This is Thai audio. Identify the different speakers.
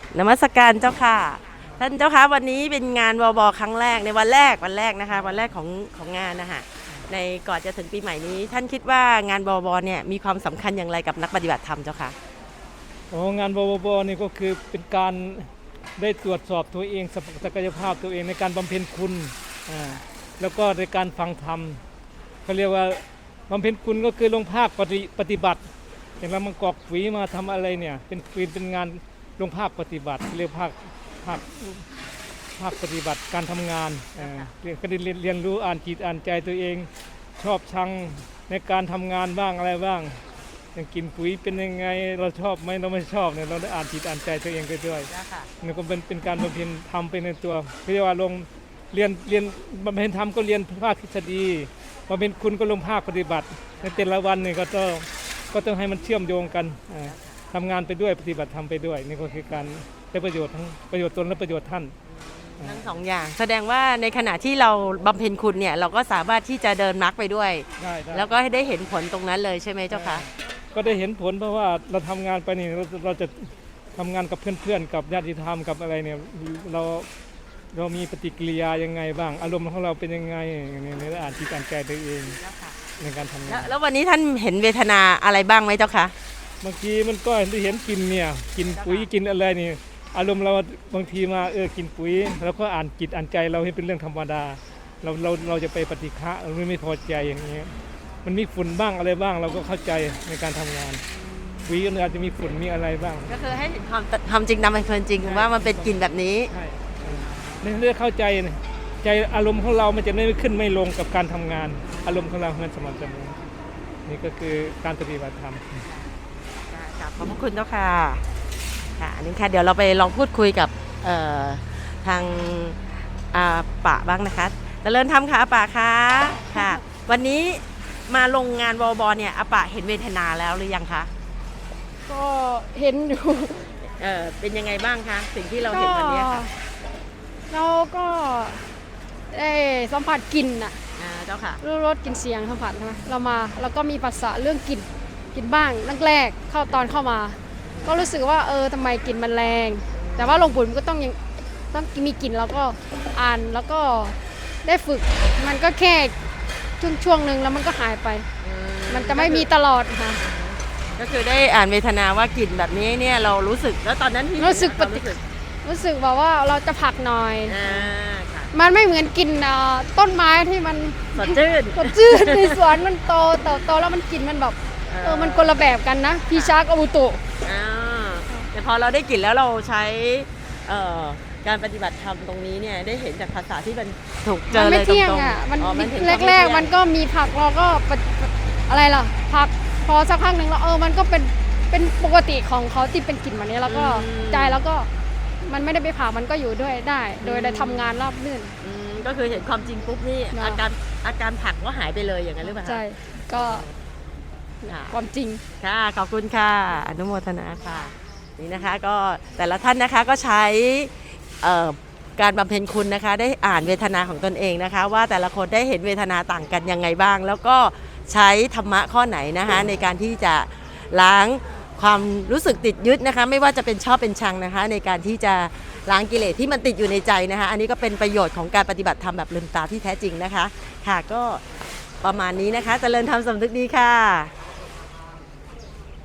Speaker 1: นมัสการเจ้าค่ะท่านเจ้าค่ะวันนี้เป็นงานวบครั้งแรกในวันแรกนะคะวันแรกของงานนะคะในก่อนจะถึงปีใหม่นี้ท่านคิดว่างานวบเนี่ยมีความสำคัญอย่างไรกับนักปฏิบัติธรรมเจ้าค่ะ
Speaker 2: งานวนี่ก็คือเป็นการได้ตรวจสอบตัวเองศักยภาพตัวเองในการบำเพ็ญคุณแล้วก็ในการฟังธรรมเขาเรียกว่าบำเพ็ญคุณก็คือลงภาคปฏิบัติอย่างเรามากอกฝีมาทำอะไรเนี่ยเป็นงานลงภาคปฏิบัติเรียกภาคปฏิบัติการทำงานก็ได้เรียนรู้อ่านจิตอ่านใจตัวเองชอบชังในการทำงานบ้างอะไรบ้างอย่างกินปุ๋ยเป็นยังไงเราชอบไหมเราไม่ชอบเนี่ยเราได้อ่านจิตอ่านใจตัวเองไปด้วยนี่ก็เป็นการบำเพ็ญธรรมไปในตัวเรียกว่าลงเรียนบำเพ็ญธรรมก็เรียนภาคทฤษฎีบำเพ็ญคุณก็ลงภาคปฏิบัติในแต่ละวันนี่ก็ต้องให้มันเชื่อมโยงกันทำงานไปด้วยปฏิบัติธรรมไปด้วยนี่ก็คือการได้ประโยชน์ทั้งประโยชน์ตนและประโยชน์ท่าน
Speaker 1: ทั้งสองอย่างแสดงว่าในขณะที่เราบำเพ็ญคุณเนี่ยเราก็สามารถที่จะเดินมรรคไปด้วยแล้วก็ได้เห็นผลตรงนั้นเลยใช่ไหมเจ้าคะ
Speaker 2: ก็ได้เห็นผลเพราะว่าเราทำงานไปนี่เราจะทำงานกับเพื่อนๆกับญาติธรรมกับอะไรเนี่ยเรามีปฏิกิริยายังไงบ้างอารมณ์ของเราเป็นยังไงในอ่านจิตอ่านใจตัวเองในการทำงาน
Speaker 1: แล้ววันนี้ท่านเห็นเวทนาอะไรบ้างไหมเจ้าคะ
Speaker 2: บางทีมันก็เห็นกินเนี่ยกินปุ๋ยกินอะไรนี่อารมณ์เราบางทีมากินปุ๋ยแล้วก็อ่านจิตอ่านใจเราให้เป็นเรื่องธรรมดาเราจะไปปฏิฆะเราไม่พอใจอย่างนี้มันมีฝุ่นบ้างอะไรบ้างเราก็เข้าใจในการทำงานปุ๋ยก็อาจจะมีฝุ่นมีอะไรบ้าง
Speaker 1: ก็คือให้เห็นความจริงตามเป็นความจริงว่ามันเป็นกลิ่นแบบนี้
Speaker 2: ใช่ในเรื่องเข้าใจใจอารมณ์ของเรามันจะไม่ขึ้นไม่ลงกับการทำงานอารมณ์ของเรามันสม่ำเสมอนี่ก็คือการปฏิบัติธรรม
Speaker 1: ขอบพระคุณเจ้าค่ะค่ะอันนี้ค่ะเดี๋ยวเราไปลองพูดคุยกับทางป่าบ้างนะคะเจริญธรรมค่ะป่าค่ะค่ะวันนี้มาลงงานวบเนี่ยป่าเห็นเวทนาแล้วหรือยังคะ
Speaker 3: ก็เห็นอยู่
Speaker 1: เป็นยังไงบ้างคะสิ่งที่เราเห็นวันนี้ค่ะ
Speaker 3: เราก็ได้สัมผัสกลิ่นน่ะ
Speaker 1: เจ้าค่ะ
Speaker 3: รู้รสกลิ่นเสียงสัมผัสใช่ไหมเราก็มีภาษาเรื่องกลิ่นบ้างแรกตอนเข้ามาก็รู้สึกว่าทำไมกลิ่นมันแรงแต่ว่าลงปุ๋ยมันก็ต้องมีกลิ่นแล้วก็อ่านแล้วก็ได้ฝึกมันก็แค่ช่วงนึงแล้วมันก็หายไปมันจะไม่มีตลอดค่ะ
Speaker 1: ก็คือได้อ่านเวทนาว่ากลิ่นแบบนี้เนี่ยเรารู้สึกแล้วตอนนั้นที่
Speaker 3: รู้สึกแบบว่าเราจะผักหน่อยมันไม่เหมือนกินต้นไม้ที่มัน
Speaker 1: สดชื่
Speaker 3: นในสวนมันโตแล้วมันกลิ่นมันแบบมันคนละแบบกันนะพีชาร์กอบุโต
Speaker 1: แต่พอเราได้กลิ่นแล้วเราใช้การปฏิบัติธรรมตรงนี้เนี่ยได้เห็นจากภาษาที่มันถูกเจอเลยตรงๆ
Speaker 3: มันแรกมันก็มีผักเราก็อะไรล่ะผักพอสักพักหนึ่งแล้วมันก็เป็นปกติของเขาที่เป็นกลิ่นแบบนี้แล้วก็ใจแล้วก็มันไม่ได้ไปผ่ามันก็อยู่ด้วยได้โดยได้ทำงานราบรื่น
Speaker 1: ก็คือเห็นความจริงปุ๊บนี่อาการผักก็หายไปเลยอย่างนั้นหรือเปล่า
Speaker 3: ใช่ก็ความจริง
Speaker 1: ค่ะขอบคุณค่ะอนุโมทนาค่ะนี่นะคะก็แต่ละท่านนะคะก็ใช้การบำเพ็ญคุณนะคะได้อ่านเวทนาของตนเองนะคะว่าแต่ละคนได้เห็นเวทนาต่างกันยังไงบ้างแล้วก็ใช้ธรรมะข้อไหนนะคะในการที่จะล้างความรู้สึกติดยึดนะคะไม่ว่าจะเป็นชอบเป็นชังนะคะในการที่จะล้างกิเลสที่มันติดอยู่ในใจนะคะอันนี้ก็เป็นประโยชน์ของการปฏิบัติธรรมแบบลืมตาที่แท้จริงนะคะค่ะก็ประมาณนี้นะคะเจริญธรรมสำนึกดีค่ะ